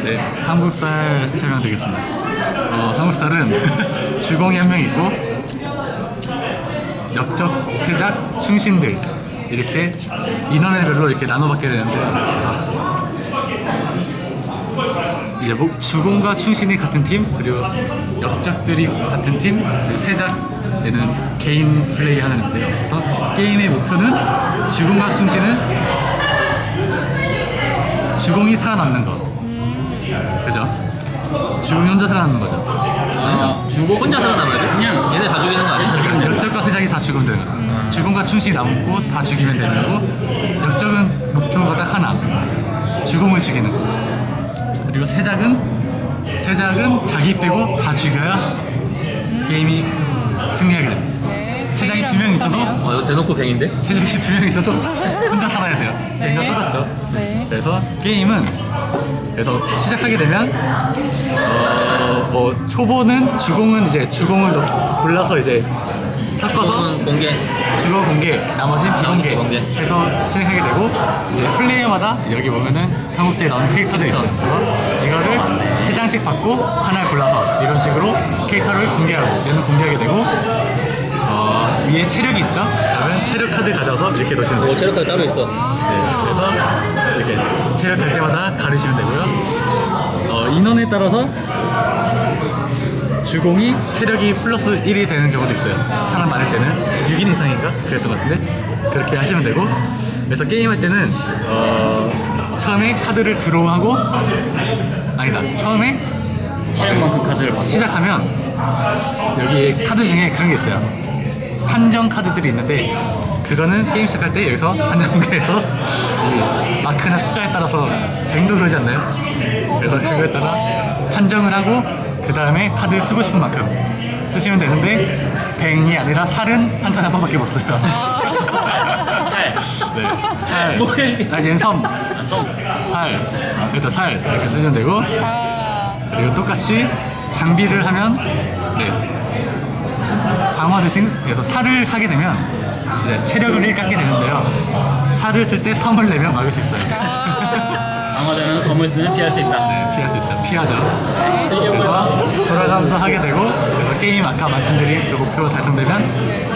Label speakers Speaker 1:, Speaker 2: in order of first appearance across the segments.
Speaker 1: 네, 삼국살 설명드리겠습니다. 삼국살은 주공이 한 명 있고 역적, 세작, 충신들 이렇게 인원별로 이렇게 나눠받게 되는데 이제 뭐 주공과 충신이 같은 팀, 그리고 역적들이 같은 팀, 그리고 세작에는 개인 플레이 하는데요. 그래서 게임의 목표는 주공과 충신은 주공이 살아남는 거. 그죠? 주공이 혼자 살아남는 거죠.
Speaker 2: 그렇죠. 주고 혼자 살아남아야 돼? 그냥 얘네 다 죽이는 거 아니야? 다 죽이는 거.
Speaker 1: 역적과 세작이 다 죽으면 되는 거. 주공과 충신이 남고 다 죽이면 되는 거고, 역적은 목표가 딱 하나, 주공을 죽이는 거. 그리고 세작은 자기 빼고 다 죽여야 게임이 승리하게 됩니다. 세작이 2명 있어도
Speaker 2: 이거 대놓고 뱅인데?
Speaker 1: 세작이 2명 있어도 혼자 살아야 돼요. 이거 똑같죠.
Speaker 3: 네.
Speaker 1: 그래서 게임은 시작하게 되면 뭐 초보는 주공은 이제 주공을 골라서 이제 섞어서
Speaker 2: 주공은 공개.
Speaker 1: 주거 공개, 나머지는 비공개
Speaker 2: 비공개.
Speaker 1: 해서 시작하게 되고, 이제 플레이어마다 여기 보면은 삼국지에 나오는 캐릭터들이 있어요. 그래서 이거를 3장씩 받고 하나를 골라서 이런 식으로 캐릭터를 공개하고 얘는 공개하게 되고, 위에 체력이 있죠? 그러면 체력 카드 가져서 이렇게 놓으시면 돼요.
Speaker 2: 체력 카드 따로 있어.
Speaker 1: 네, 그래서 이렇게 체력 될 때마다 가르시면 되고요. 인원에 따라서 주공이 체력이 플러스 1이 되는 경우도 있어요. 사람 많을 때는 6인 이상인가? 그랬던 것 같은데 그렇게 하시면 되고, 그래서 게임할 때는 처음에 카드를 드로우하고, 아니다, 처음에
Speaker 2: 체력만큼 카드를 받고.
Speaker 1: 시작하면 여기 카드 중에 그런 게 있어요. 판정 카드들이 있는데 그거는 게임 시작할 때 여기서 판정 공개해서 마크나 숫자에 따라서 뱅도 그러지 않나요? 그래서 그거에 따라 판정을 하고 그 다음에 카드를 쓰고 싶은 만큼 쓰시면 되는데, 뱅이 아니라 살은 한 손에 한 번밖에 못 써요.
Speaker 2: 살.
Speaker 1: 네, 살.
Speaker 2: 뭐야, 이게?
Speaker 1: 얘는 섬.
Speaker 2: 섬.
Speaker 1: 살. 일단 살 이렇게 쓰시면 되고, 그리고 똑같이 장비를 하면 방어 대신, 그래서 살을 하게 되면 이제 체력을 1 깎게 되는데요. 살을 쓸 때 섬을 내면 막을 수 있어요.
Speaker 4: 강화자는 섬을 쓰면 피할 수 있다.
Speaker 1: 네, 피할 수 있어요. 피하죠. 그래서 돌아가면서 하게 되고, 그래서 게임 아까 말씀드린 그 목표가 달성되면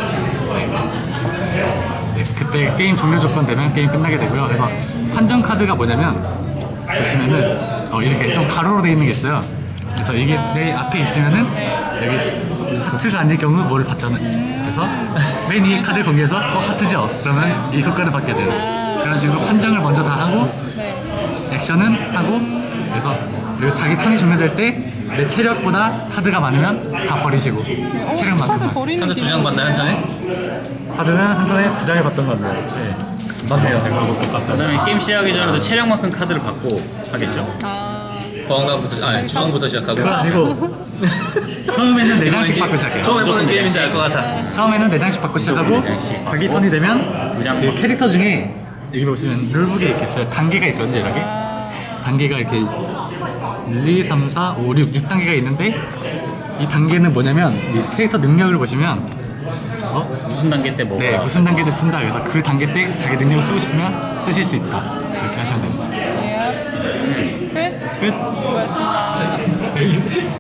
Speaker 1: 그때 게임 종료 조건 되면 게임 끝나게 되고요. 그래서 판정 카드가 뭐냐면 보시면은 이렇게 좀 가로로 되어 있는 게 있어요. 그래서 이게 내 앞에 있으면은 여기 하트가 아닐 경우 뭐를 받잖아요. 그래서 맨 위에 카드를 공개해서 하트죠? 그러면 이 효과를 받게 돼요. 그런 식으로 판정을 먼저 다 하고 액션은 하고, 그래서 그리고 자기 턴이 종료될 때 내 체력보다 카드가 많으면 다 버리시고 체력만큼만.
Speaker 2: 카드 2장 받나요, 한 턴에?
Speaker 1: 카드는 한 손에 2장을 받던 것 같네요. 네. 맞네요.
Speaker 4: 그다음에 게임 시작하기 전에도 체력만큼 카드를 받고 하겠죠.
Speaker 2: 보안관부터, 주황부터 시작하고.
Speaker 1: 그건 아니고 처음에는 4장씩 받고 시작해요.
Speaker 2: 처음 해보는 게임인지 알 것 같아.
Speaker 1: 처음에는 4장씩 받고 시작하고,
Speaker 4: 4장씩
Speaker 1: 자기 턴이 되면
Speaker 4: 두 장
Speaker 1: 이
Speaker 4: 받고.
Speaker 1: 캐릭터 중에 여기 보시면 룰북에 이렇게 있어요. 단계가 있거든요. 이렇게 단계가 이렇게 1, 2, 3, 4, 5, 6 단계가 있는데, 이 단계는 뭐냐면 이 캐릭터 능력을 보시면
Speaker 4: 무슨 단계 때 뭐?
Speaker 1: 네, 무슨 단계를 쓴다. 그래서 그 단계 때 자기 능력을 쓰고 싶으면 쓰실 수 있다. 이렇게 하시면 됩니다.
Speaker 3: 끝.
Speaker 1: 끝.
Speaker 3: 수고했습니다.